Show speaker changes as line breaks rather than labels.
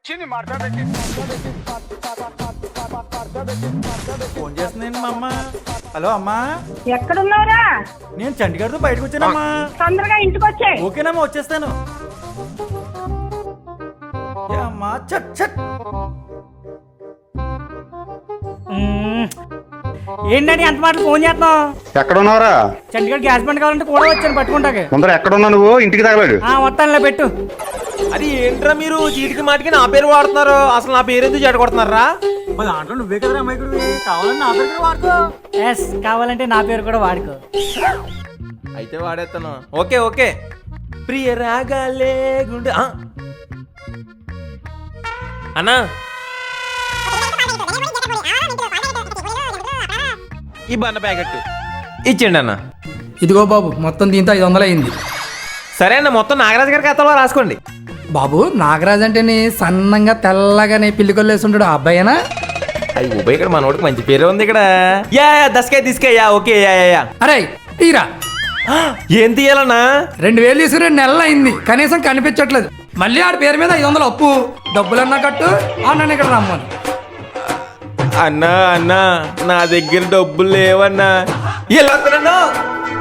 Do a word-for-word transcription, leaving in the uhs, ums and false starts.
Phone చేస్తున్నాను మా అమ్మ. హలో అమ్మా,
ఎక్కడున్నారా?
నేను చండీగఢ్తో బయటకు వచ్చానమ్మా.
తొందరగా ఇంటికి వచ్చే.
ఓకేనమ్మా, వచ్చేస్తాను. ఏ అమ్మా, చట్ చట్.
ఏంటంటే ఎంత మాటలు ఫోన్ చేస్తున్నావు?
ఎక్కడ ఉన్నావురా?
చండీగఢ్ గ్యాస్ బండ్ కావాలంటే కూడా వచ్చాను పట్టుకుంటాకి.
ముందర ఎక్కడున్నా నువ్వు? ఇంటికి తగలాడు.
ఆ వస్తానులే, పెట్టు.
అది ఏంట్రా మీరు చీటికి మాటికి నా పేరు వాడుతున్నారు? అసలు నా పేరు ఎందుకు చెడగొడుతున్నారా?
మా దాంట్లో నువ్వే కదరా అమ్మాయికుడు, కావాలని నా పేరు కూడా వాడుకో.
ఎస్, కావాలంటే నా పేరు కూడా వాడుకో.
అయితే వాడేస్తాను. Okay okay. ప్రియ రాగాలే గుండె. ఆ. అన్నా, ఈ బన్న ప్యాకెట్ ఇచ్చేయండి అన్న.
ఇదిగో బాబు, మొత్తం దీంతో ఐదు వందలు అయింది.
సరే అన్న, మొత్తం నాగరాజు గారి ఖాతాలో రాసుకోండి.
బాబు, నాగరాజ్ అంటేనే సన్నంగా తెల్లగానే పిల్లికొల్లు వేస్తుంటాడు ఆ అబ్బాయినా?
అయ్యి ఉభయ, ఇక్కడ మనోడికి మంచి పేరు ఉంది ఇక్కడ. యా యా దసకాయ తీసుకాయ. Yeah okay. Yeah yeah yeah
అరే తీరా.
ఏం తీయాలన్నా?
రెండు వేలు తీసుకుని రెండు నెలలు అయింది, కనీసం కనిపించట్లేదు. మళ్ళీ ఆడి పేరు మీద ఐదు వందలు అప్పు. డబ్బులన్నా కట్టు, అన్న ఇక్కడ రమ్మను.
అన్నా అన్నా, నా దగ్గర డబ్బులు లేవన్నా. ఎలా